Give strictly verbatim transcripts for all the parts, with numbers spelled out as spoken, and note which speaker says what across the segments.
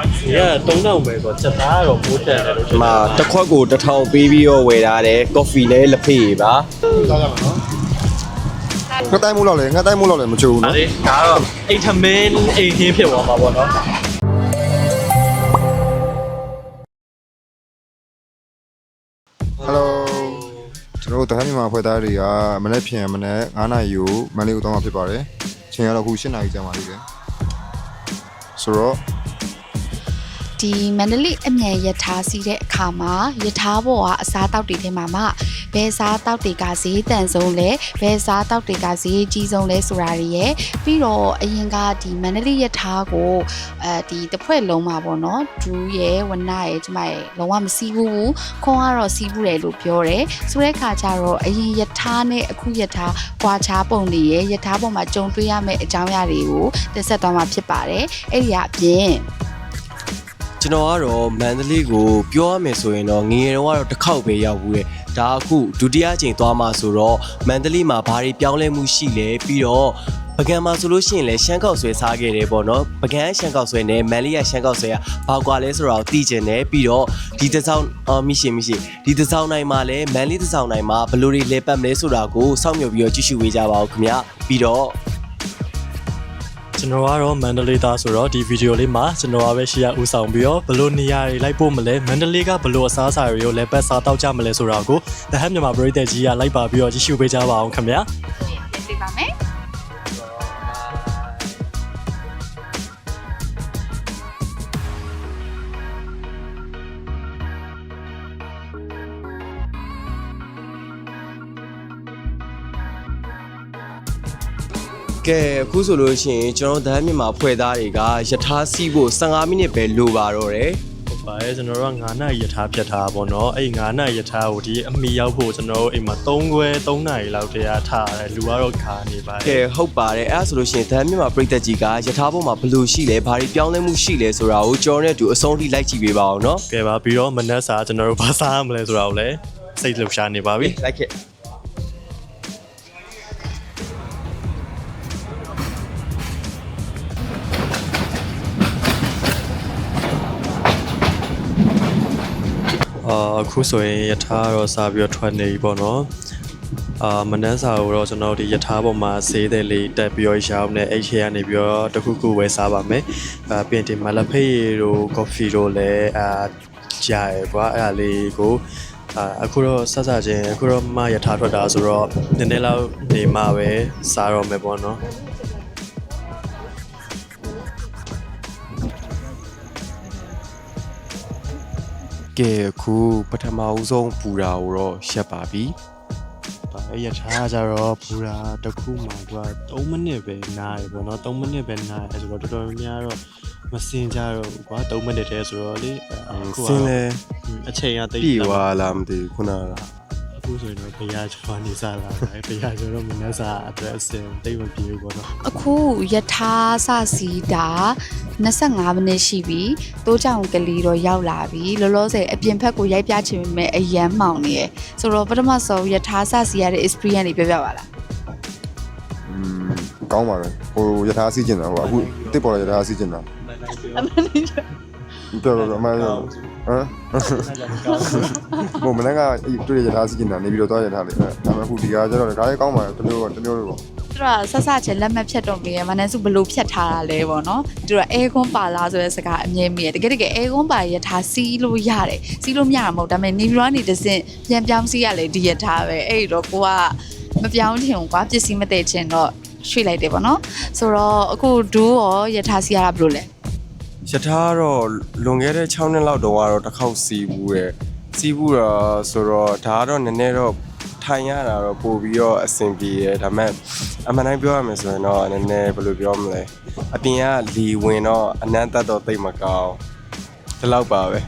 Speaker 1: ဒီကသုံးတောင်ပဲဆိုချက်သားကတော့ပိုးတက်တယ်လို့
Speaker 2: မှာတစ်ခွက်ကိုတစ်ထောင်ပေးပြီးတော့ဝယ်ထားတယ်ကော်ဖီလည်းလက်ဖေးပါ
Speaker 3: စားကြမှာနော်ငါတိုင်းမိုးလောက်လေငါတိုင်းမိုးလောက်လေမချိုးဘူးနော်
Speaker 1: ဒါတော့အိတ်ထမင်းအိမ်ခင်းဖြစ်သွားမှာပေါ့နော်
Speaker 3: ဟယ်လိုကျွန်တော်တို့တဟန်းမြန်မာဖွဲ့သားတွေကမနေ့ဖြန်မနေ့9နာရီကိုမန္တလေးကိုတောင်းမှာဖြစ်ပါတယ်ချိန်ကတော့အခု10နာရီကြာမှလေးတယ်ဆိုတော့
Speaker 4: ဒီမန္တလေးအမြန်ရထားစီးတဲ့အခါမှာရထားပေါ်ကအစားတောက်တွေထဲမှာမှဘယ်စားတောက်တွေကဈေးတန်ဆုံးလဲဘယ်စားတောက်တွေကဈေးကြီးဆုံးလဲဆိုတာတွေရဲ့ပြီးတော့အရင်ကဒီမန္တလေးရထားကိုအဲဒီတစ်ဖွဲ့လုံးမှာပေါ့နော်ဒူးရဲ့ဝနရဲ့ကျမရဲ့လုံးဝမစီးဘူးခွန်ကတော့စီးဘူးတယ်လို့ပြောတယ်ဆိုတဲ့အခါကျတော့အရင်ရထားနဲ့အခုရထားကွာခြားပုံတွေရဲ့ရထားပေါ်မှာကြုံတွေ့ရမယ့်အကြောင်းအရာတွေကိုတင်ဆက်သွားမှာဖြစ်ပါတယ်အဲ့ဒီကအပြင်
Speaker 2: ကျွန်တော်ကတော့မန္တလေးကိုပြောရမယ်ဆိုရင်တော့ငငယ်တော့တစ်ခေါက်ပဲရောက်ဘူးလေဒါအခုဒုတိယအကြိမ်သွားမှာဆိုတော့မန္တလေးမှာဘာတွေပြောင်းလဲမှုရှိလဲပြီးတော့ပကံမှာဆိုလို့ရှိရင်လည်းရှမ်းကောက်ဆွဲစားခဲ့တယ်ပေါ့နော်ပကံရှမ်းကောက်ဆွဲနဲ့မန္တလေးကရှမ်းကောက်ဆွဲကဘာကွာလဲဆိုတော့သိကျင်တယ်ပြီးတော့ဒီတစ်စောင်းအော်မိရှင်မိရှင်ဒီတစ်စောင်းနိုင်မှာလည်းမန္တလေးတစ်စောင်းနိုင်မှာဘယ်လိုတွေလဲပတ်မလဲဆိုတာကိုစောင့်မျှော်ပြီးတော့ကြည့်ရှုပေးကြပါဦးခင်ဗျပြီးတော့
Speaker 1: ကျွန်တော်ကတော့မန္တလေးသားဆိုတော့ဒီဗီဒီယိုလေးမှာကျွန်တော်ကပဲရှေ့ရဦးဆောင်ပြီးတော့ဘလို့နေရာတွေလိုက်ပို့မလဲမန္တလေးကဘလို့အစားအစာတွေကိုလည်းပတ်စားတောက်ကြမလဲဆိုတာကိုတဟန်းမြန်မာပရိသတ်ကြီးကလိုက်ပါပြီးတော့ကြည့်ရှုပေးကြပါအောင်ခင်ဗျာ
Speaker 4: ပြင်ပေးပါမယ်
Speaker 2: ကဲအခုဆိုလို့ရှိရင်ကျွန်တော်ဒန်းမြန်မာဖွဲ့သားတွေကယထာစီးဖို့15မိနစ်ပဲလိုပါတော့တယ်
Speaker 1: ဟုတ်ပါရဲ့ကျွန်တော်တို့က9နာရီရထားဖြတ်ထားပါတော့အဲ့9နာရီရထားကိုဒီအမီရောက်ဖို့ကျွန်တော်တို့အိမ်မှာ3ခွဲ3နာရီလောက်တည်းအားထားရတယ်လူကတော့ခါနေပါ
Speaker 2: ကဲဟုတ်ပါတယ်အဲ့ဒါဆိုလို့ရှိရင်ဒန်းမြန်မာပြည်သက်ကြီးကယထာပေါ်မှာဘယ်လိုရှိလဲဘာတွေပြောင်းလဲမှုရှိလဲဆိုတာကိုကျွန်တော်နဲ့အတူအဆုံးထိလိုက်ကြည့်ပေးပါအောင်နော်
Speaker 1: ကဲပါပြီးတော့မနက်စာကျွန်တော်တို့ဘာစားရမလဲဆိုတာကိုလည်းစိတ်လှုပ်ရှားနေပါပြီ
Speaker 2: လိုက်ခဲ့
Speaker 1: အာအခုဆိုရင်ယထာတော့စားပြီးတော့ထွက်နေပြီပေါ့နော်အာမနန်းစာကိုတော့ကျွန်တော်ဒီယထာပေါ်မှာဈေးတယ်လေးတက်ပြီးတော့ရောင်းနေအဲ့ထဲကနေပြီးတော့တခုခုဝယ်စားပါမယ်အာပြင်ဒီမလဖေးတို့ကော်ဖီတို့လည်းအာကြားရကွာအဲ့ဒါလေးကိုအာအခုတော့ဆက်စားခြင်းအခုတော့မယထာထွက်တာဆိုတော့နည်းနည်းလောက်နေမှပဲစားတော့မယ်ပေါ့နော်
Speaker 2: ကဲအခုပထမဦးဆုံးပူတာကိုတော့ရှက်ပါပြီ
Speaker 1: ။ဒါအဲ့ရထားကြတော့ဘူရာတစ်ခုမှသူက3မိနစ်ပဲနားရပေါ့နော်3မိနစ်ပဲနားရဆိုတော့တော်တော်များများတော့မစင်ကြတော့ဘူးကွာ3မိနစ်တည်းဆိုတော့လေအခု
Speaker 2: စင်းလဲ
Speaker 1: အချိန်ကတိတ်
Speaker 2: ပြီသွားလားမသိဘူးခုနက
Speaker 1: အခုဆိုရင်တော့ဘုရားကျော်နေစားလာတယ်ဘုရားကျော်တော့မနှက်စားအတွက်အစင်တိတ်မပြေဘူးပေါ့နော်
Speaker 4: အခုယထာစစီတာ25မိနစ်ရှိပြီတိုးကြောင်ကလေးတော့ရောက်လာပြီလောလောဆယ်အပြင်ဘက်ကိုရိုက်ပြချင်ပေမဲ့အရန်မှောင်နေရယ်ဆိုတော့ပထမဆုံးယထာစစီရတဲ့ experience တွေပြောပြပါလား
Speaker 3: อืมကောင်းပါပဲဟိုယထာစီးကျင်တာဟိုအခုတစ်ပေါ်လာယထာစီးကျင်တာတော်တော်အမှန်ဟမ်ဘုံမနေ့ကတွေ့ရယထာစီးကျင်တာနေပြီးတော့သွားယထာလေးဒါပေမဲ့အခုဒီကကျတော့ဒါလေးကောင်းပါတမျိုးတမျိုးလေးပေါ့
Speaker 4: သူတို့ကဆက်စချင်းလက်မှတ်ဖြတ်တော့မေးရမနန်းစုဘလို့ဖြတ်ထားတာလဲပေါ့နော်သူတို့ကအဲကွန်းပါလားဆိုတဲ့စကားအမြဲမေးရတကယ်တကယ်အဲကွန်းပါရထားစီးလို့ရတယ်စီးလို့မရမှာမဟုတ်ဒါပေမဲ့နေပြီးတော့နေတစင်ပြန်ပြောင်းစီးရလေဒီရထားပဲအဲ့တော့ကိုကမပြောင်းချင်ဘူးကွာပစ္စည်းမတည့်ချင်တော့ရွှေ့လိုက်တယ်ပေါ့နော်ဆိုတော့အခုဒူးရောရထားစီးရတာဘလို့လဲ
Speaker 2: ယထာတော့လွန်ခဲ့တဲ့6နှစ်လောက်တော့ကတော့တစ်ခေါက်စီးဘူးရယ်စီးဘူးတော့ဆိုတော့ဒါကတော့နည်းနည်းတော့ထိုင်ရတာတော့ပို့ပြီးတော့အဆင်ပြေရယ်ဒါပေမဲ့အမှန်တိုင်းပြောရမယ်ဆိုရင်တော့နည်းနည်းဘယ်လိုပြောမလဲအပြင်ကလီဝင်တော့အနမ်းတက်တော့သိမကောင်းဒီလောက်ပါပဲ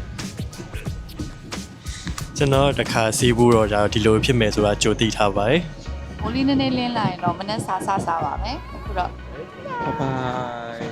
Speaker 1: ကျွန်တော်တခါစီးဘူးတော့ဒါဒီလိုဖြစ်မယ်ဆိုတာကြိုသိထားပါတယ်
Speaker 4: မိုးလေးနည်းနည်းလင်းလာရင်တော့မနက်စားစားစားပါမယ်အခုတော့
Speaker 2: ဘိုင်ဘိုင်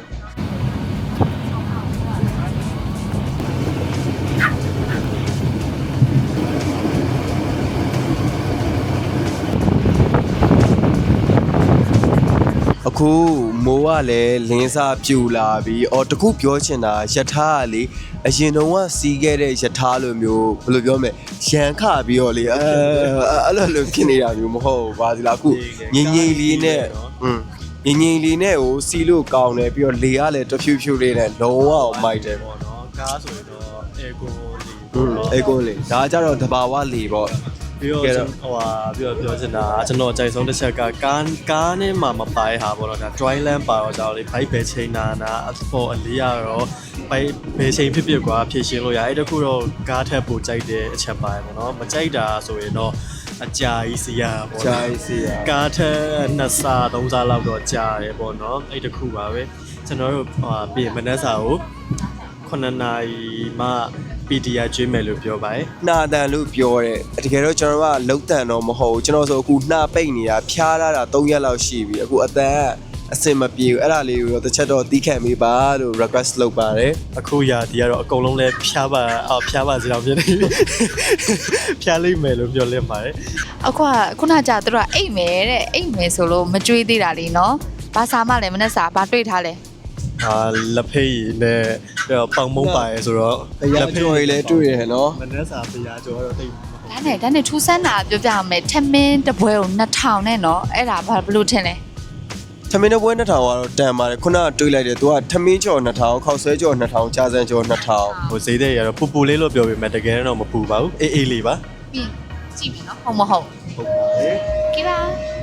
Speaker 2: အခုအခုမိုးကလည်းလင်းစားပြူလာပြီးအော်တခုပြောချင်တာယထာကလေအရင်တော့ကစီးခဲ့တဲ့ယထာလိုမျိုးဘယ်လိုပြောမလဲရန်ခပြီးတော့လေအဲအဲ့လိုလိုဖြစ်နေတာမျိုးမဟုတ်ဘူးပါစီလားအခုငိမ့်ငိမ့်လေးနဲ့อืมငိမ့်ငိမ့်လေးနဲ့ကိုစီးလို့ကောင်းတယ်ပြီးတော့လေကလည်းတဖြူဖြူလေးနဲ့လုံးဝအောင်မိုက်တယ်
Speaker 1: ပေါ့နော်ကားဆိုရင်တော့အေကိုလီ
Speaker 2: อืมအေကိုလေဒါကြတော့တဘာဝလေပေါ့
Speaker 1: ပြီးတော့ဟိုဟာပြီးတော့ပြောချင်တာကျွန်တော်ကြိုက်ဆုံးတစ်ချက်ကကားကားနဲ့မှမပိုင်ဟာပေါ့နော်ဒါ dry land ပါတော့ကြောင့်လေဘိုက်ပဲချိန်နာနာအဖို့အလေးရတော့ဘိုက်ပဲချိန်ဖြစ်ဖြစ်ကွာဖြည့်ရှင်းလို့ရအဲ့တခုတော့ကားထက်ပိုကြိုက်တဲ့အချက်ပိုင်းပေါ့နော်မကြိုက်တာဆိုရင်တော့အကြာကြီးစီရပေါ့
Speaker 2: ဂျိုင်းစီယာ
Speaker 1: ကားထက်နှစ်ဆသုံးဆလောက်တော့ကြာတယ်ပေါ့နော်အဲ့တခုပါပဲကျွန်တော်တို့ဟိုပြင်မနက်စာကိုခုနှစ်နာရီမှ ပီ တီ အာ ကျွေးမယ်လို့ပြောပါတယ်
Speaker 2: နှာတန်လို့ပြောတယ်တကယ်တော့ကျွန်တော်ကလုံတန်တော့မဟုတ်ဘူးကျွန်တော်ဆိုအခုနှာပိတ်နေတာဖျားလာတာ၃ရက်လောက်ရှိပြီအခုအတန်အစင်မပြေဘူးအဲ့ဒါလေးကိုတော့တစ်ချက်တော့တီးခတ်မိပါလို့ request လုပ်ပါတယ်
Speaker 1: အခုရာဒီကတော့အကုန်လုံးလဲဖျားပါအော်ဖျားပါစီတော့ဖြစ်နေပြီဖျားလိမ့်မယ်လို့ပြောလင်းပါတယ်
Speaker 4: အခုကခုနကကြာသူတို့ကအိတ်မယ်တဲ့အိတ်မယ်ဆိုလို့မကြွေးသေးတာလေနော်ဘာစာမှလည်းမနဲ့စာဘာတွေ့ထားလဲ
Speaker 1: ဟာလက်ဖေးနဲ့ပေါင်မုံပါရဲဆိုတော့
Speaker 2: တရားကြော်ရီလည်းတွေ့ရတယ်နော်
Speaker 1: မနက်စာတရားကျော်တော့တိတ်
Speaker 4: ဒါနဲ့ဒါနဲ့ထူးဆန်းတာပြောပြအောင်မယ်ထမင်းတစ်ပွဲကိုနှစ်ထောင်နဲ့နော်အဲ့ဒါဘာဘလို့ထင်လဲ
Speaker 2: ထမင်းတစ်ပွဲနှစ်ထောင်ကတော့တန်ပါတယ်ခုနကတွေးလိုက်တယ်သူကထမင်းကြော်နှစ်ထောင်ခောက်ဆွဲကြော်နှစ်ထောင်ကြာစံကြော်နှစ်ထောင်
Speaker 1: ဟိုဈေးတဲ့ရတော့ပူပူလေးလို့ပြောပေမဲ့တကယ်တော့မပူပါဘူးအေးအေးလေးပါ
Speaker 4: ပြီးကြည့်မယ်နော်ဟုတ်မဟုတ်
Speaker 1: ဟုတ်ပါတယ်
Speaker 4: ကြည့်ပါ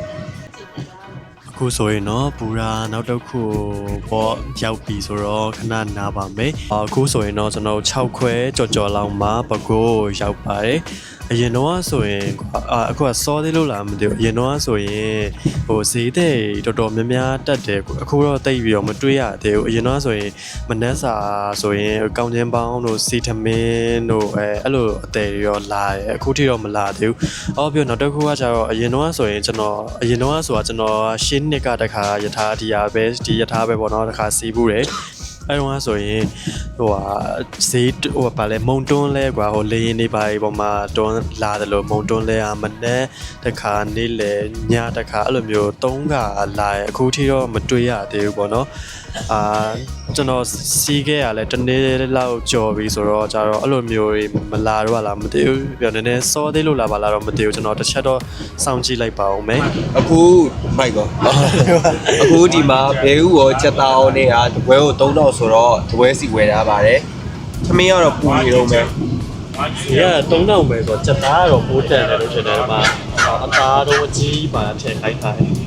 Speaker 1: အခုဆိုရင်တော့ပူရာနောက်တစ်ခုပေါ့ရောက်ပြီဆိုတော့ခဏနားပါမယ်အခုဆိုရင်တော့ကျွန်တော်၆ခွဲကြော်ကြော်လောက်မှပကိုးရောက်ပါတယ်အရင်တော့ဆိုရင်အခုကစောသေးလို့လားမသိဘူးအရင်တော့ဆိုရင်ဟိုဈေးတဲ့တော်တော်များများတက်တယ်အခုတော့တိတ်ပြီးတော့မတွေးရသေးဘူးအရင်တော့ဆိုရင်မနက်စာဆိုရင်ကောင်းချင်းပေါင်းတို့စီထမင်းတို့အဲအဲ့လိုအသေးရောလာတယ်အခုထိတော့မလာသေးဘူးအော်ပြီးတော့နောက်တစ်ခုကကျတော့အရင်တော့ဆိုရင်ကျွန်တော်အရင်တော့ဆိုတာကျွန်တော်ရှင်းနှစ်ကတခါယထာဒီယာပဲဒီယထာပဲပေါ့နော်တခါစီးဘူးတယ်အဲ့တော့ဆိုရင်ဟိုဟာဈေးဟိုဗာလဲမုံတွန်းလဲကွာဟိုလေရင်နေပါဒီပေါ်မှာတွန်းလာတယ်လို့မုံတွန်းလဲอ่ะမနဲ့တခါနေ့လေညတခါအဲ့လိုမျိုးသုံးခါလာရအခုထိတော့မတွေ့ရသေးဘူးပေါ့နော်အာကျွန်တော်စီးခဲ့ရလဲတနေ့လောက်ကြော်ပြီဆိုတော့ကြတော့အဲ့လိုမျိုးမလာတော့လားမသိဘူးပြောနည်းနည်းစောသေးလို့လာပါလားတော့မသိဘူးကျွန်တော်တစ်ချက်တော့စောင့်ကြည့်လိုက်ပါဦးမယ်
Speaker 2: အခုမိုက်ကောအခုဒီမှာဘဲဥရောချက်သားအောင်နေတာတပွဲကို၃တောက်ဆိုတော့တပွဲစီဝယ်ထားပါတယ်သမင်းကတော့ပူနေတော့မယ်
Speaker 1: ဒီကသုံးတောင်ပဲဆိုတော့စက်သားကတော့ပိုးတန်တယ်လို့ထင်တယ်ဒီမှာအသားတော့အကြီးပါထည့်လိုက်ထားတယ်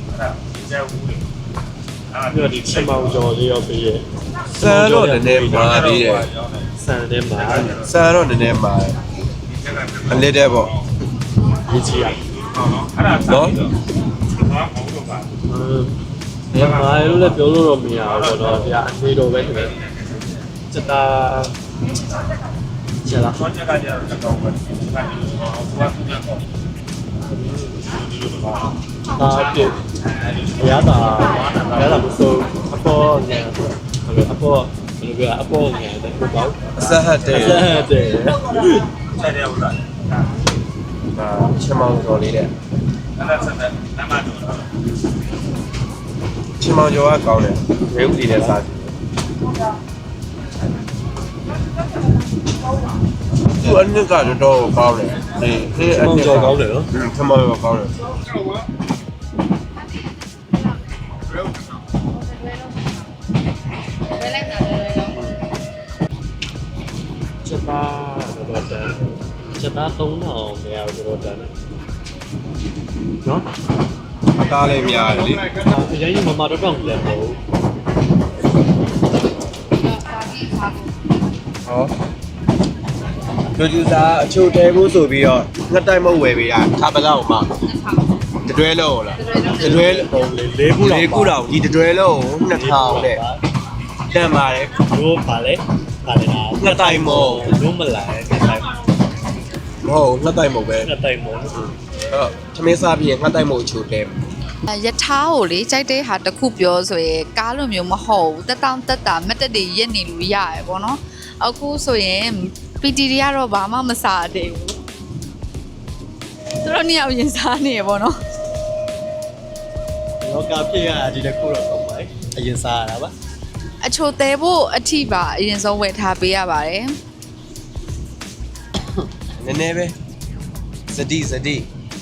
Speaker 1: အဲ့ဒါဒီချက်မောင်ကျော်လေးရောက်ပြီးရဲ့
Speaker 2: ဆန်တော့နည်းနည်းမာသေးတယ်
Speaker 1: ဆန်ထဲမှာ
Speaker 2: ဆန်တော့နည်းနည်းမာတယ်အလစ်တဲ့ပေါ့
Speaker 1: ဒီကြီးရ
Speaker 2: နော်
Speaker 1: ဒီမှာလို့လည်းပြောလို့တော့မရဘူးပေါ့နော်ဒီကအသေးတော့ပဲထင်တယ်စက်သားချက်လားဆောင်းချက်ကကြတော့တော့ပဲဒီကနေတော့ဘာသူကတော့အာပြရတာရတာမစိုးအပေါ်ငယ်အပေါ်ဘယ်လိုကအပေါ်ငယ်တဲ့ပေါ့
Speaker 2: အဆက်ဟတ်တယ်
Speaker 1: ဆက်တယ်
Speaker 5: ဆက်တယ်ဟုတ်လား
Speaker 2: အာချက်မောင်ကျော်လေးတဲ့
Speaker 5: အဲ့ဒါဆက်တယ်နမတော်တော့
Speaker 2: ချက်မောင်ကျော်ကကောင်းတယ်ဘဲဥစီနဲ့စားကြည့်သူအနစ်ကတော့တော့ကောင်းတယ်ဒီဒီအနစ်ကောင်းတယ်နော်ချက်မောင်ကျော်ကောင်းတယ်
Speaker 1: ချက်သားတော့တန်ချက်သားသုံးထောင်နေရာတော့တန်တယ်နော်
Speaker 2: အသားလေးများတယ်လေ
Speaker 1: အရင်ကမမတော့တော့လည်းမဟုတ်
Speaker 2: ဟောဒိုဂျူစာအချိုတဲဖို့ဆိုပြီးတော့ငှက်တိုက်မုတ်ဝယ်ပေးတာထားပလောက်မှတတွဲလုံးလားတတွဲ
Speaker 1: ပုံလေးလေးခုလောက်
Speaker 2: လေးခုတောင်ဒီတတွဲလုံးနှစ်ထောင်နဲ့တန်ပါတယ်
Speaker 1: တို့ပါလေပါလေလား
Speaker 2: ငှက်တိုက်မုတ်
Speaker 1: တို့မလာငှက်တိုက်
Speaker 2: မဟုတ်ငှက်တိုက်မုတ်ပဲ
Speaker 1: ငှက်တိုက်မုံ
Speaker 2: အဲ့တော့သမင်းစားပြီးရင်ငှက်တိုက်မုတ်အချိုတဲ
Speaker 4: ယထာကိုလေကြိုက်တဲ့ဟာတစ်ခုပြောဆိုရင်ကားလိုမျိုးမဟုတ်ဘူးတက်တောင့်တက်တာမက်တက်တွေရက်နေလို့ရရပေါ့နော်အခုဆိုရင် ပီ တီ တွေကတော့ဘာမှမစားသေးဘူးသူတို့နှစ်ယောက်ရင်စားနေရပေါ့နော်
Speaker 1: တော့ကာဖြစ်ရဒီတစ်ခုတော့တော့အရင်စားရတာပါ
Speaker 4: အချိုသေးဖို့အထိပါအရင်ဆုံးဝယ်ထားပေးရပါတယ်
Speaker 2: နည်းနည်းပဲစတိစတိ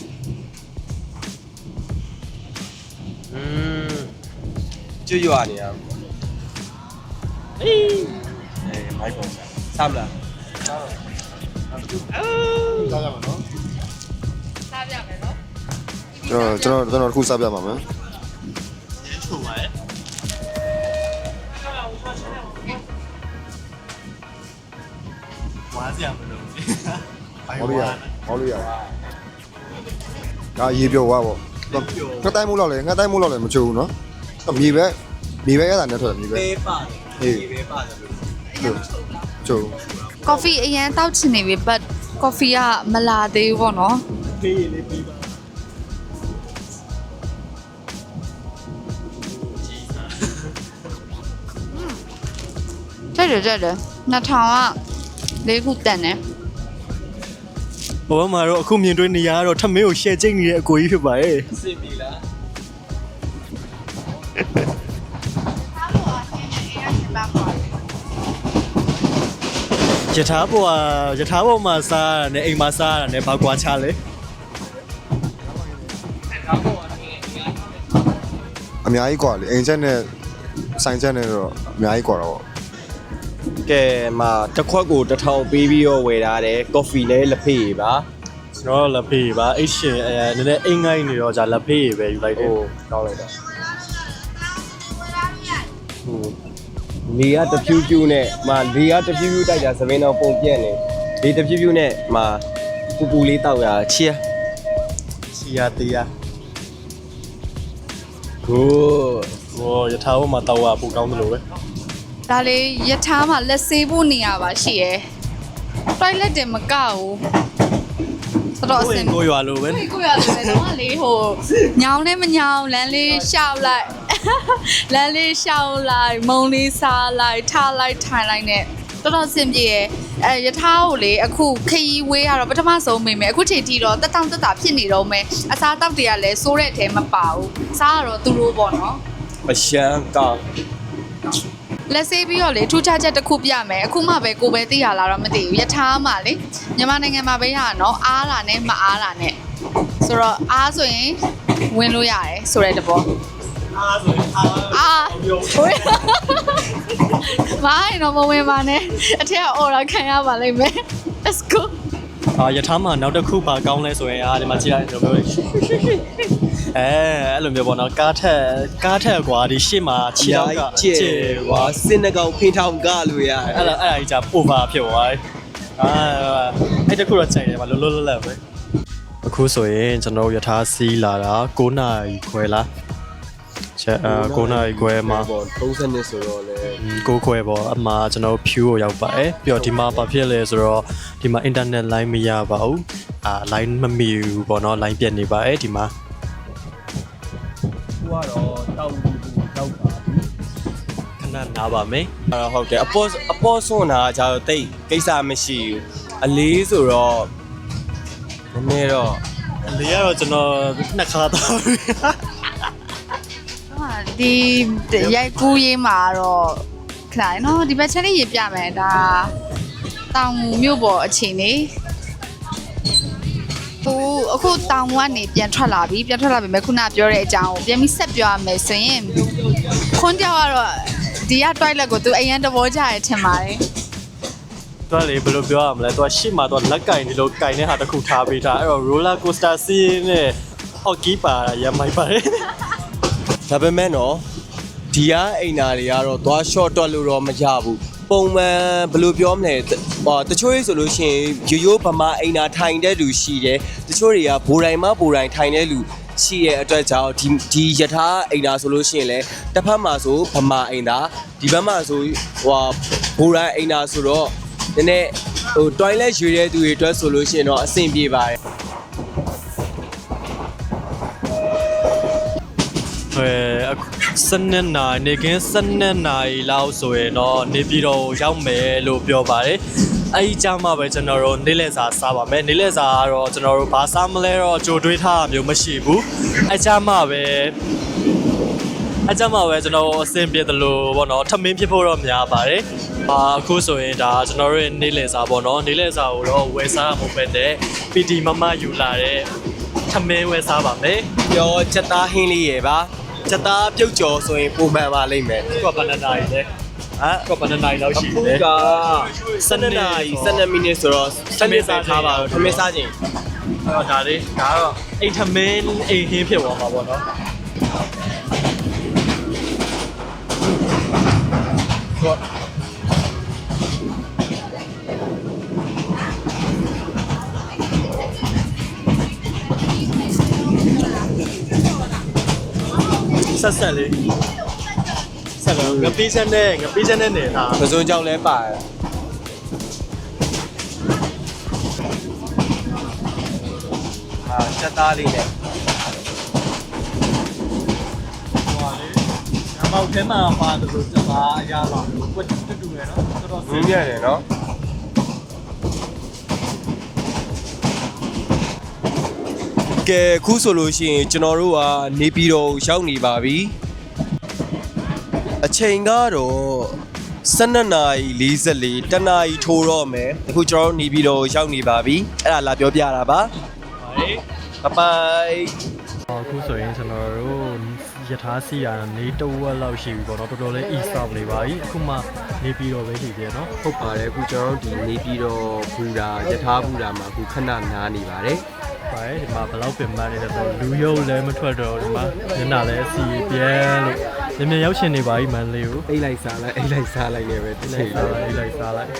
Speaker 2: อืมကျွတ်ရွာနေရအေးအေးမိုက်ပေါ်ဆမ်းလား
Speaker 3: စားရမှာနော်
Speaker 4: စားပြမယ်နော်
Speaker 3: ကျွန်တော်ကျွန်တော်ကျွန်တော်တစ်ခုစားပြပါမယ်
Speaker 1: ချိုပါရဲ့ဝါးစရာမလို
Speaker 3: ဟောလို့ရဟောလို့ရဒါရေပြောွားပေါ့ငါတိုင်းမိုးလောက်လေငါတိုင်းမိုးလောက်လေမချိုးဘူးနော်မြေပဲမြေပဲရတာနဲ့ထွက်တယ်မြေပဲ
Speaker 2: ပေးပါတယ်ဒီပဲပါတယ်လို့
Speaker 3: ချိုး
Speaker 4: ကော်ဖီအရင်တောက်ချင်နေပြီ but ကော်ဖီကမလာသေးဘူးပေါ့နော်
Speaker 1: ပေးရလေးပေးပါ
Speaker 4: ကြိုက်တယ်ကြိုက်တယ်နှစ်ထောင်ကလေးခုတန်တယ်
Speaker 1: ဘဝမှာတော့အခုမြင်တွေ့နေရတော့ထမင်းကိုရှယ်ကျိတ်နေတဲ့အကိုကြီးဖြစ်ပါရဲ့
Speaker 2: စင်ပြီလား
Speaker 1: ယထာဘောကယထာဘောမှာစားရတယ်အိမ်မှာစားရတယ်ဘာကွာချလဲ
Speaker 3: အများကြီးกว่าလေအိမ်ချက်နဲ့ဆိုင်ချက်နဲ့တော့အများကြီးกว่าတော့
Speaker 2: ကဲမှာတစ်ခွက်ကိုတစ်ထောင်ပေးပြီးတော့ဝယ်ထားတယ်ကော်ဖီလည်းလက်ဖေးပါ
Speaker 1: ကျွန်တော်လက်ဖေးပါအိတ်ရှင်အဲနည်းနည်းအိမ်ငိုင်းနေတော့じゃလက်ဖေးပဲယူလိုက်တယ်
Speaker 2: ဟိုကောင်းလိုက်တာဟိုလေကတဖြူးဖြူးနဲ့မှာလေကတဖြူးဖြူးတိုက်တာသပင်းတော့ပုံပြက်နေလေတဖြူးဖြူးနဲ့မှာပူပူလေးတောက်ရချီယာ
Speaker 1: စီယာတီယာ
Speaker 2: ကို
Speaker 1: ဟောယထာဘောမှာတောက်ရပူကောင်းတယ်လို့ပဲ
Speaker 4: ဒါလေးယထာမှာလက်ဆေးဖို့နေရပါရှိရယ် toilet တင်မကဘူးတော်တော်အဆင်
Speaker 1: ကိုရွာလို့ပဲ
Speaker 4: ကိုကိုရတယ်တော့လေဟိုညောင်းလည်းမညောင်းလမ်းလေးရှောက်လိုက်လမ်းလေးရှောက်လိုက်မုံလေးစားလိုက်ထားလိုက်ထိုင်လိုက်နဲ့တော်တော်အဆင်ပြေရယ်အဲယထာကိုလေအခုခရီးဝေးရတော့ပထမဆုံးမိမယ်အခုချိန်ထိတော့တက်တောင့်တက်တာဖြစ်နေတော့မယ်အစားတောက်တွေကလည်းစိုးတဲ့အထဲမပါဘူးစားရတော့သူတို့ပေါ့နော်
Speaker 2: အရှမ်းကောင်း
Speaker 4: လက်ဆေးပြီးတော့လေထူးခြားချက်တစ်ခုပြမယ်အခုမှပဲကိုပဲသိရလားတော့မသိဘူးယထာမှလေမြန်မာနိုင်ငံမှာပဲရတာနော်အားတာနဲ့မအားတာနဲ့ဆိုတော့အားဆိုရင်ဝင်လို့ရတယ်ဆိုတဲ့တဘော
Speaker 1: အားဆိုရင်အား
Speaker 4: အားဟိုမိုင်းတော့မဝင်ပါနဲ့အထက်အော်ရခံရပါလိမ့်မယ် let's go
Speaker 1: အာယထာမှာနောက်တစ်ခုပါကောင်းလဲဆိုရင်အားဒီမှာကြည့်လိုက်ကျွန်တော်ပြောအဲအဲ့လိုမျိုးပေါ့နော်ကားထက်ကားထက်ကွာဒီရှေ့မှာခြေထောက်က
Speaker 2: ကျဲကွာစင်နှကောင်ဖိထောင်ကလို့ရ
Speaker 1: အဲ့ဒါအဲ့ဒါကြီးじゃ over ဖြစ်သွားတယ်အာအဲ့တခုတော့ချိန်တယ်ပါလောလောလတ်လတ်ပဲအခုဆိုရင်ကျွန်တော်ယထာစီးလာတာ9နာရီခွဲလားချက်အာ9နာရီခွဲမှာ
Speaker 2: ပေါ့30နှစ်ဆိုတော့လေ
Speaker 1: ကိုခွဲပေါ့အမှားကျွန်တော်ဖြူကိုရောက်ပါတယ်ပြီးတော့ဒီမှာဘာဖြစ်လဲဆိုတော့ဒီမှာ internet line မရပါဘူးအာ line မမီဘူးပေါ့နော် line ပြတ်နေပါတယ်ဒီမှာ
Speaker 2: ဟိုကတော့တောက်ပြီးတောက်ပါဘူး
Speaker 1: ခဏနားပါမယ်
Speaker 2: အဲ့တော့ဟုတ်တယ်အပေါ်အပေါ်ဆွန်တာကျတော့တိတ်ကိစ္စမရှိဘူးအလေးဆိုတော့နည်းနည်းတော့
Speaker 1: လေကတော့ကျွန်တော်နှစ်ခါတော့ပြီ
Speaker 4: ဒီရိုက်ကူးရေးမှာတော့ခဏနော်ဒီဘက်ချက်လေးရေးပြမယ်ဒါတောင်ငူမြို့ပေါ်အခြေအနေဟိုအခုတောင်ငူကနေပြန်ထွက်လာပြီပြန်ထွက်လာပြီမဲ့ခုနပြောတဲ့အကြောင်းကိုပြန်ပြီးဆက်ပြောရမယ်ဆိုရင်ခွန်းကြောက်ကတော့ဒီက toilet ကိုသူအရင်တဘောကြရထင်ပါတယ်
Speaker 1: သူကလေဘယ်လိုပြောရမလဲသူကရှေ့မှာသူကလက်ကင်ဒီလိုကင်တဲ့ဟာတစ်ခုထားပေးတာအဲ့တော့ roller coaster စီးနဲ့ hockey ပါရမိုက်ပါတယ်
Speaker 2: ဒါပေမဲ့နော်ဒီကအိမ်နာတွေကတော့သွား short တွက်လို့တော့မရဘူးပုံမှန်ဘယ်လိုပြောမလဲဟောတချို့ရေးဆိုလို့ရှိရင်ရိုးရိုးဗမာအိမ်နာထိုင်တဲ့လူရှိတယ်တချို့တွေကဘိုးတိုင်းမဘိုးတိုင်းထိုင်တဲ့လူရှိရဲ့အတွက်ကြောင့်ဒီဒီယထာအိမ်နာဆိုလို့ရှိရင်လည်းတစ်ဖက်မှာဆိုဗမာအိမ်နာဒီဘက်မှာဆိုဟိုဘိုးတိုင်းအိမ်နာဆိုတော့နည်းနည်းဟို toilet ရွေတဲ့သူတွေအတွက်ဆိုလို့ရှိရင်တော့အဆင်ပြေပါတယ်
Speaker 1: အဲစနေနိုင်နေကင်းစနေနိုင်လောက်ဆိုရင်တော့နေပြည်တော်ကိုရောက်မယ်လို့ပြောပါတယ်အဲ့ဒီကြမှာပဲကျွန်တော်တို့နေ့လည်စာစားပါမယ်နေ့လည်စာကတော့ကျွန်တော်တို့ဘာစားမလဲတော့ကြိုတွေးထားတာမျိုးမရှိဘူးအဲ့ကြမှာပဲအကြမ်းမှာပဲကျွန်တော်အဆင်ပြေတယ်လို့ပေါ့နော်ထမင်းဖြစ်ဖို့တော့များပါတယ်အာအခုဆိုရင်ဒါကျွန်တော်တို့နေလေစာပေါ့နော်နေလေစာကိုတော့ဝယ်စားမှာမဟုတ်ပဲတဲ့ ပီ တီ မမယူလာတဲ့ထမင်းဝယ်စားပါမယ်
Speaker 2: ပြောချက်သားဟင်းလေးရယ်ပါချက်သားပြုတ်ကျော်ဆိုရင်ပုံမှန်ပါလိမ့်မယ်
Speaker 1: ကဘနာနာရီလေဟာကဘနာနာရီလောက်ရှိ
Speaker 2: အခု
Speaker 1: တယ်
Speaker 2: ကစနေနာရီစနေမိနစ်ဆိုတော့စနေစားထားပါတော့ထမင်းစားခြင်း
Speaker 1: အော်ဒါလေးဒါကတော့အိမ်ထမင်းအိမ်ဟင်းဖြစ်သွားမှာပေါ့နော်ဆက်ဆက်လေးဆက်တော့ငပိချက်နဲ့ငပိချက်နဲ့နေတာ
Speaker 2: ပစုံကြောင့်လဲပါတယ်အာချက်သားလေးနဲ့
Speaker 1: ဟွာလေအမောက်ထဲမှာပါတယ်လို့စပါအရာပါကွတ်တူတူရယ်နော်တော်တော်
Speaker 2: ရင်းရတယ်နော်ကဲခုဆိုလို့ရှိရင်ကျွန်တော်တို့ကနေပြည်တော်ရောက်နေပါပြီအချိန်ကတော့စနေနာရီ၄၄တနာရီထိုးတော့မယ်အခုကျွန်တော်တို့နေပြည်တော်ရောက်နေပါပြီအဲ့ဒါလာပြောပြတာပါ
Speaker 1: ဟေး
Speaker 2: ဘိုင်ဘိုင်
Speaker 1: အခုဆိုရင်ကျွန်တော်တို့ယထာစီယာနေတဝက်လောက်ရှိပြီပေါ့နော်တော်တော်လေး e-stop လေးပါပြီအခုမှနေပြီးတော့ပဲရှိသေးတယ်နော်
Speaker 2: ဟုတ်ပါတယ်အခုကျွန်တော်တို့ဒီနေပြည်တော်ဘူတာယထာဘူတာမှာအခုခဏနားနေပါတယ်
Speaker 1: ပါတယ်ဒီမှာဘယ်လောက်ပင်ပန်းနေလဲဆိုလူရုပ်လည်းမထွက်တော့ဒီမှာညနာလည်းစီပြဲလို့မြင်မြင်ရောက်ရှင်နေပါပြီမန်လေးကို
Speaker 2: အိတ်လိုက်စားလိုက်အိတ်လိုက်စားလိုက်လည်းပဲတစ်ချိန်
Speaker 1: စားလိုက်လိုက်စားလိုက်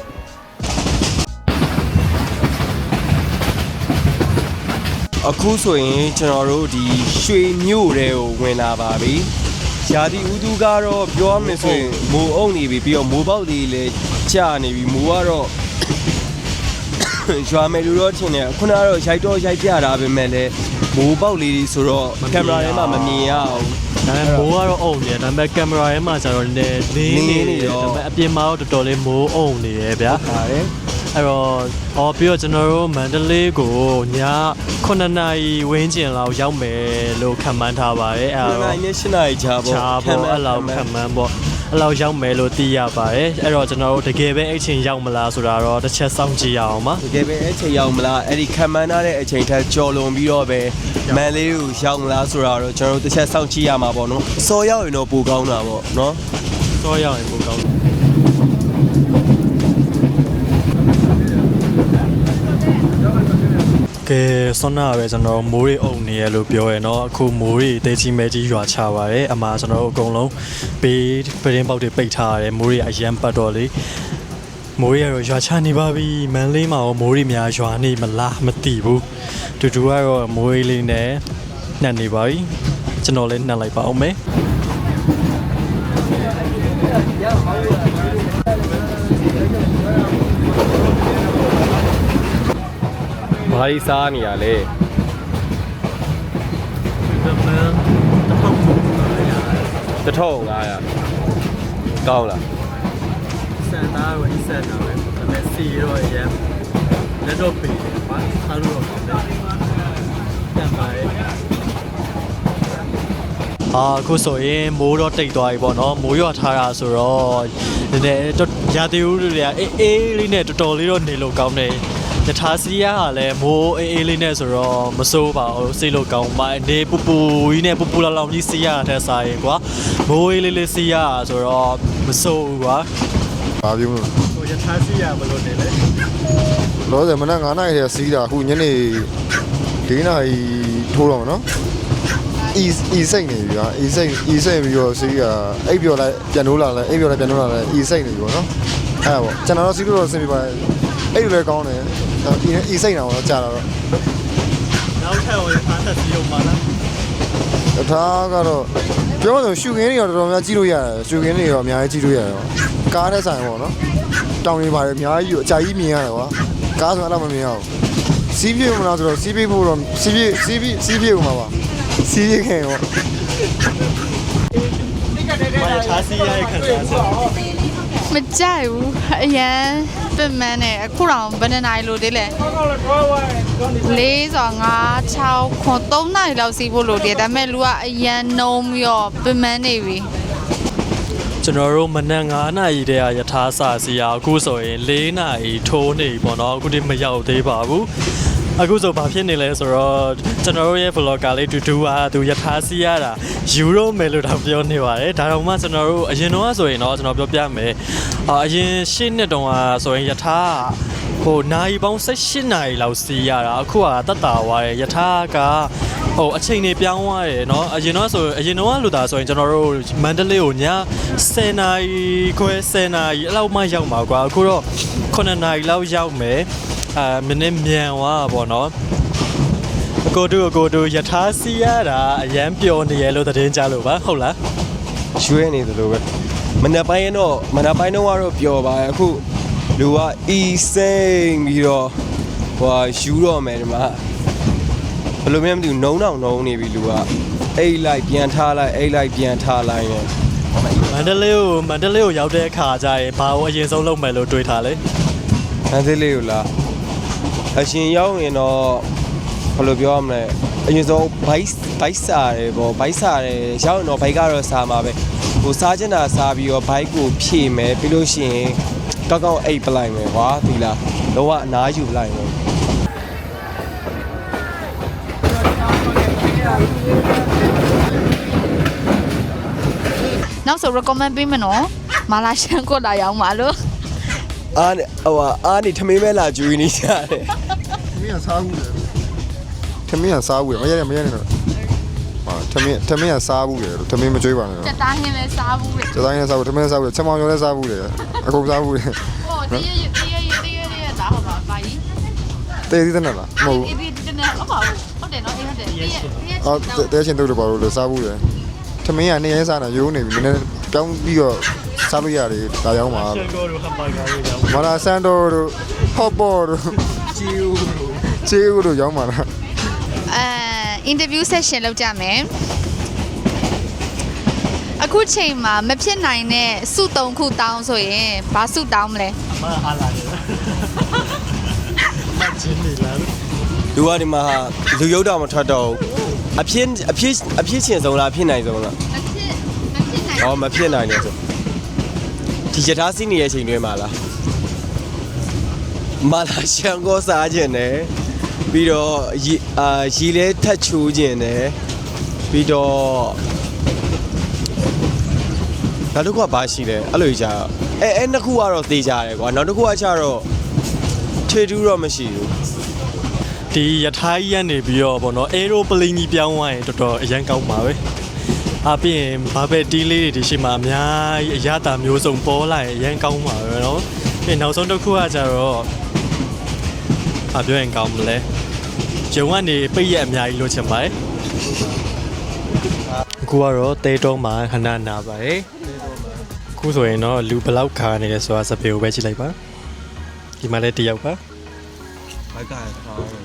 Speaker 2: အခုဆိုရင်ကျွန်တော်တို့ဒီရွှေမြို့တွေကိုဝင်လာပါပြီ။ရာသီဥတုကတော့ပြောရမယ်ဆိုရင်မိုးအုံနေပြီပြီးတော့မိုးပေါက်လေးလည်းကြာနေပြီမိုးကတော့ရွာမယ်လို့တော့ထင်တယ်ခုနကတော့ရိုက်တော့ရိုက်ပြတာပဲမဲ့လည်းမိုးပေါက်လေးဆိုတော့ကင်မရာထဲမှာမမြင်ရအောင်
Speaker 1: ဒါပေမဲ့မိုးကတော့အုံနေတယ်ဒါပေမဲ့ကင်မရာထဲမှာကျတော့လည်းလင်းနေတယ်ဒါပေမဲ့အပြင်မှာတော့တော်တော်လေးမိုးအုံနေတယ်ဗျာ
Speaker 2: ပါတယ်
Speaker 1: အဲ့တော့ဟောပြီးတော့ကျွန်တော်တို့မန္တလေးကိုညခုနှစ်နာရီဝန်းကျင်လောက်ရောက်မယ်လို့ခန့်မှန်းထားပါတယ်အဲ့
Speaker 2: ခုန
Speaker 1: တော့
Speaker 2: ကနေ့၈နာရီချာပေါ့
Speaker 1: ချာပေါ့အဲ့လောက်ခန့်မှန်းပေါ့အဲ့လောက်ရောက်မယ်လို့သိရပါတယ်အဲ့တော့ကျွန်တော်တို့တကယ်ပဲအဲ့ချိန်ရောက်မလားဆိုတာတော့တစ်ချက်စောင့်ကြည့်ရအောင်ပါ
Speaker 2: တကယ်ပဲအဲ့ချိန်ရောက်မလားအဲ့ဒီခံမှန်းထားတဲ့အချိန်ထက်ကြော်လွန်ပြီးတော့ပဲမန်လေးကိုရောက်မလားဆိုတာတော့ကျွန်တော်တို့တစ်ချက်စောင့်ကြည့်ရမှာပေါ့နော်စော်ရောက်ရင်တော့ပိုကောင်းတာပေါ့နော်
Speaker 1: စောရောက်ရင်ပိုကောင်းကဲဆွမ်းနာပဲကျွန်တော်မိုးရီအုံနေရလို့ပြောရနော်အခုမိုးရီတေးကြီးမဲကြီးရွာချပါတယ်အမှားကျွန်တော်တို့အကုန်လုံးပေးပရင်းပေါက်တွေပိတ်ထားရတယ်မိုးရီအရန်ပတ်တော့လေမိုးရီကတော့ရွာချနေပါပြီမန်လေးမှာရောမိုးရီများရွာနေမလားမသိဘူးတူတူကတော့မိုးရီလေးနဲ့နှက်နေပါပြီကျွန်တော်လည်းနှက်လိုက်ပါအောင်မယ်
Speaker 2: ဘာကြီးစားနေရလဲ တစ်ထောင်ငါးရာကောင်းလား
Speaker 1: စံသားကိုစံတာပဲဒါပေမဲ့စီရောရမ်းလက်တော့ပေးတယ်ပါအားလို့တော့ကောင်းတယ်တန်ပါရဲ့အာအခုဆိုရင်မိုးတော့တိတ်သွားပြီပေါ့နော်မိုးရွာထားတာဆိုတော့နည်းနည်းရာသီဥတုတွေကအေးအေးလေးနဲ့တော်တော်လေးတော့နေလို့ကောင်းတယ်ယထာစီယာကလည်းမိုးအေးအေးလေးနဲ့ဆိုတော့မစိုးပါဘူးစိတ်လို့ကောင်းပါနေပူပူကြီးနဲ့ပူပူလောင်လောင်ကြီးစီယာတဲ့စားရင်ကွာမိုးအေးလေးလေးစီယာဆိုတော့မစိုးဘူးကွာ
Speaker 3: ဘာပြောမလို့
Speaker 1: ဟိုယထာစီယာဘယ်လိုနေလဲ
Speaker 3: လောဆယ်မနက်9နာရီထဲစီးတာအခုညနေ၄နာရီထိုးတော့မနော်အီအီစိတ်နေပြီဟာအီစိတ်အီစိတ်ပြီးတော့စီးတာအိပ်ပြော်လိုက်ပြန်လို့လာလဲအိပ်ပြော်လိုက်ပြန်လို့လာလဲအီစိတ်နေပြီပေါ့နော်အဲ့ဒါပေါ့ကျွန်တော်တို့စီးလို့တော့ဆင်ပြပါတယ်အဲ့လိုလည်းကောင်းတယ်အီအီစိတ်နာတော့ကြာတာတော့
Speaker 1: နောက်ထပ်ဝင်ဖားသက်စီအောင်ပါလား
Speaker 3: ဒါကတော့ပြောလို့ရှူခင်းတွေတော့တော်တော်များကြည့်လို့ရတယ်ရှူခင်းတွေတော့အများကြီးကြည့်လို့ရတယ်ကားတဲ့ဆိုင်ပေါ့နော်တောင်တွေပါတယ်အများကြီးအကြာကြီးမြင်ရတယ်ကွာကားဆိုတော့မမြင်ရဘူးစီးပြေမလားဆိုတော့စီးပြေဖို့တော့စီးပြေစီးပြေစီးပြေဦးမှာပါစီးပြေခင်ပေါ့
Speaker 1: ဘာယထာစီယာရဲ့ခံစားချက်
Speaker 3: စ
Speaker 4: မကြိုက်ဘူးအရန်ပင်မန်းနဲ့အခုတော့ဘယ်နှစ်နာရီလို့သေးလဲလေးဆိုငါး၆ခွန်သုံးနာရီလောက်စီးဖို့လို့တည်းဒါပေမဲ့လူကအရန်နှုံးပြီးတော့ပင်မန်းနေပြီ
Speaker 1: ကျွန်တော်တို့မနက်9နာရီတည်းကယထာစာစီရအခုဆိုရင်၄နာရီထိုးနေပြီပေါ့နော်အခုဒီမရောက်သေးပါဘူးအခုဆိုဘာဖြစ်နေလဲဆိုတော့ကျွန်တော်တို့ရဲ့ vlogger လေးတူတူကသူယထာစီရတာယူရိုမယ်လို့တော့ပြောနေပါတယ်ဒါတော့မှကျွန်တော်တို့အရင်တော့ဆိုရင်တော့ကျွန်တော်ပြောပြမယ်အာအရင်ရှင်းနှစ်တုန်းကဆိုရင်ယထာဟိုနိုင်ပေါင်း၁၈နာရီလောက်စီရတာအခုကတက်တာသွားတယ်ယထာကဟိုအချိန်နေပြောင်းသွားတယ်เนาะအရင်တော့ဆိုအရင်တော့လူသားဆိုရင်ကျွန်တော်တို့မန္တလေးကိုည10နာရီခွဲ10နာရီအဲ့လောက်မှရောက်မှာကွာအခုတော့9နာရီလောက်ရောက်မယ်အာမင်းမြန်သွားပါတော့ကိုတို့ကိုတို့ယထာစီရတာအရန်ပျော်နေရလို့သတင်းကြလို့ပါဟုတ်လား
Speaker 2: ရွှဲနေသလိုပဲမနက်ပိုင်းတော့မနက်ပိုင်းတော့ကတော့ပျော်ပါရဲ့အခုလူကအီစိမ့်ပြီးတော့ဟိုယူတော့မယ်ဒီမှာဘယ်လိုမှမသိဘူးနှုံးအောင်နှုံးနေပြီလူကအိတ်လိုက်ပြန်ထားလိုက်အိတ်လိုက်ပြန်ထားလိုက်နေ
Speaker 1: မန္တလေးကိုမန္တလေးကိုရောက်တဲ့အခါကျရင်ဘာလို့အရင်ဆုံးလုပ်မယ်လို့တွေးထားလဲ
Speaker 2: မန္တလေးကိုလာအရှင်ရောက်ရင်တော့ဘယ်လိုပြောရမလဲအရင်ဆုံးဘိုက်ဘိုက်စားတယ်ပေါ့ဘိုက်စားတယ်ရောက်ရင်တော့ဘိုက်ကတော့စားမှာပဲဟိုစားချင်တာစားပြီးတော့ဘိုက်ကိုဖြည့်မယ်ပြီးလို့ရှိရင်ကောက်ကောက်အိတ်ပလိုက်မယ်ကွာဒီလားတော့အနားယူလိုက်မယ်
Speaker 4: နောက်ဆို recommend ပေးမနော်မာလာရှန်ကိုလာရောက်မှာလို့
Speaker 2: အားဟိုအားနေထမင်းမဲလာကျွေးနေကြတယ်
Speaker 3: ထမင်းကစားဘူးလေထမင်းကစားဘူးလေမရရမရနေတော့ဟာထမင်းထမင်းကစားဘူးလေထမင်းမကြွေးပါနဲ့
Speaker 4: စက်သားဟင်းလဲစားဘူးလေ
Speaker 3: စတိုင်းနဲ့စားဘူးထမင်းစားဘူးချက်မောင်ရောလည်းစားဘူးလေအကုန်စားဘူးလေ
Speaker 4: ဟိုတရရတရရတရရသားဟောပါပါကြီး
Speaker 3: တေးသေးတယ်လားမဟုတ်ဘူး
Speaker 4: အေးဒီတနေ့ဟုတ်ပါဘူးဟုတ်တယ်နော်အေးဟုတ်တယ်တရရ
Speaker 3: အော်တဲချင်းတို့တို့ပါလို့လေစားဘူးလေထမင်းကနေရဲစားတာရိုးနေပြီနည်းနည်းပြောင်းပြီးတော့စားလို့ရတယ်ဒါရောက်မှာ
Speaker 1: ရှန်ကိုတို့ဟမ်ဘာဂါတွေရောက်
Speaker 3: မာလာဆန်တိုတို့ဟော့ဘော်တို့
Speaker 2: ချီဦး
Speaker 3: ချေဦးတို့ရောက်မှာလား
Speaker 4: အဲ interview session လုပ်ကြမယ်အခုချိန်မှာမဖြစ်နိုင်တဲ့စုသုံးခုတောင်းဆိုရင်ဘာစုတောင်းမလဲ
Speaker 1: အမအားလာတယ်မချင်းနေလား
Speaker 2: လူကဒီမှာလူရုပ်တော်မထွက်တော့အဖြစ်အဖြစ်အဖြစ်ချင်းဆုံးလားဖြစ်နိုင်ဆုံးလား
Speaker 4: မဖြစ်မဖြစ်နိုင်
Speaker 2: ဟောမဖြစ်နိုင်တယ်ဆိုဒီယထာစီးနေတဲ့ချိန်တွင်းမှာလားမာလာရှန်ကိုစားခြင်းနဲ့ပြီးတော့ရီအာရီလဲထတ်ချိုးခြင်းနဲ့ပြီးတော့နောက်တစ်ခုကဘာရှိလဲအဲ့လိုကြီးကြာအဲအဲနှစ်ခုကတော့သေကြတယ်ကွာနောက်တစ်ခုကကျတော့ထွေတူးတော့မရှိဘူး
Speaker 1: ဒီယထာကြီးရနေပြီးတော့ဗောနော်အေရိုပလင်းကြီးပြောင်းသွားရင်တော်တော်အရန်ကောက်ပါပဲအပြင်ဘာပဲတီးလေးတွေဒီရှိမှအများကြီးအရသာမျိုးစုံပေါ်လာရင်အရန်ကောင်းပါပဲနော်ပြီးနောက်ဆုံးတစ်ခုကကျတော့အပြောရင်ကောင်းမလဲဂျုံကနေပိတ်ရက်အများကြီးလို့ချင်ပါတယ်အခုကတော့တဲတုံးမှာခဏနာပါတယ်အခုဆိုရင်တော့လူဘလောက်ခါနေလဲဆိုတာစပေကိုပဲကြည့်လိုက်ပါဒီမှာလည်းတယောက်ပါ
Speaker 2: ဘိုက်ကခေါင်း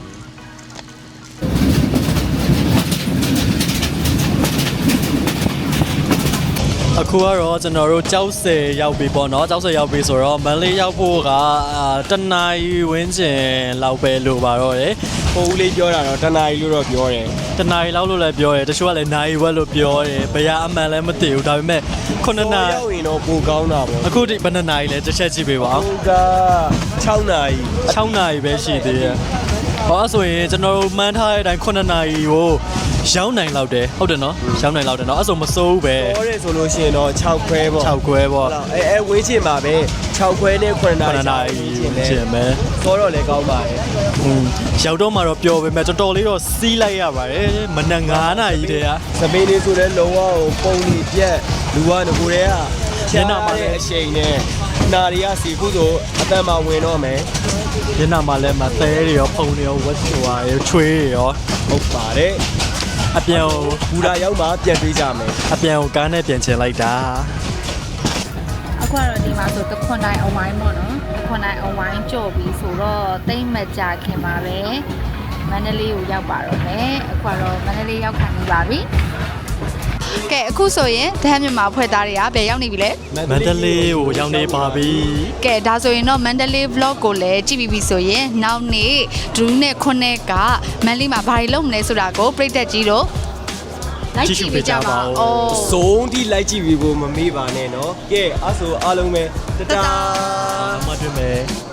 Speaker 1: အခုကတော့ကျွန်တော်တို့ကြောက်စယ်ရောက်ပြီပေါ့နော်ကြောက်စယ်ရောက်ပြီဆိုတော့မန်လေးရောက်ဖို့ကတနာရီဝန်းကျင်လောက်ပဲလိုပါတော့တယ်
Speaker 2: ပုံဦးလေးပြောတာတော့တနာရီလို့တော့ပြောတယ်
Speaker 1: တနာရီလောက်လို့လည်းပြောတယ်တချို့ကလည်းနိုင်ဝက်လို့ပြောတယ်ဘယ်ရအမှန်လည်းမသိဘူးဒါပေမဲ့ခုနှစ်နာရီ
Speaker 2: ရောက်ရင်တော့ပိုကောင်းတာပေါ့
Speaker 1: အခုဒီဘယ်နှစ်နာရီလဲတစ်ချက်ကြည့်ပေးပါဦး
Speaker 2: ဟိုက6နာရီ
Speaker 1: 6နာရီပဲရှိသေးတယ်ဟောဆိုရင်ကျွန်တော်တို့မှန်းထားတဲ့အတိုင်းခုနှစ်နာရီကိုရောက်နိုင်လောက်တယ်ဟုတ်တယ်နော်ရောက်နိုင်လောက်တယ်နော်အဲ့ဆိုမစိုးဘူးပဲ
Speaker 2: ပြောရဲဆိုလို့ရှိရင်တော့6ခွဲပေါ့
Speaker 1: 6ခွဲပေါ့
Speaker 2: အဲအဲဝေးချင်ပါပဲ6ခွဲနဲ့9နာရီ
Speaker 1: 9နာရီချင်မယ်
Speaker 2: ဆိုတော့လည်းကောင်းပါတယ်
Speaker 1: อืมရောက်တော့မှတော့ပျော်ပေမဲ့တော်တော်လေးတော့စီးလိုက်ရပါတယ်မနက်9နာရီတည်းက
Speaker 2: စပိန်လေးဆိုတဲ့လုံးဝကိုပုံလီပြက်လူကငကိုတည်းကမျက်နှာမှာလည်းအရှိန်နဲ့နာရီကစီခုဆိုအတန်မှာဝင်တော့မယ်
Speaker 1: ညနာမှာလည်းမသဲတွေရောဖုံတွေရောဝက်ချွာရောချွေးတွေရော
Speaker 2: ဟုတ်ပါတယ်
Speaker 1: အပြန်ကို
Speaker 2: ဘူရာရောက်မှပြန်တွေးကြမယ်
Speaker 1: အပြန်ကိုကားနဲ့ပြန်ချင်လိုက်တာ
Speaker 4: အခုကတော့ဒီမှာဆိုတခွန်တိုင်းအဝိုင်းပေါ့နော်တခွန်တိုင်းအဝိုင်းကြော်ပြီးဆိုတော့တိမ့်မကြခင်ပါပဲမန္တလေးကိုရောက်ပါတော့မယ်အခုကတော့မန္တလေးရောက်ခံနေပါပြီကဲအခုဆိုရင်တဟန်းမြန်မာဖွဲ့သားတွေကဘယ်ရောက်နေပြီလဲ
Speaker 1: မန္တလေးကိုရောက်နေပါပြီ
Speaker 4: ကဲဒါဆိုရင်တော့မန္တလေး vlog ကိုလည်းကြည့်ပြီးပြီဆိုရင်နောက်နေ့ဒရူးနဲ့ခွန်းနဲ့ကမန္တလေးမှာဘာတွေလုပ်မလဲဆိုတာကိုပြည်သက်ကြီးတို့လိုက်ကြည့်ပေးကြပါဦး
Speaker 2: စုံတိလိုက်ကြည့်ပြီးဖို့မမေ့ပါနဲ့နော်ကဲအဲ့ဆိုအားလုံးပဲတတာ
Speaker 1: အမှတ်တွေ့မယ်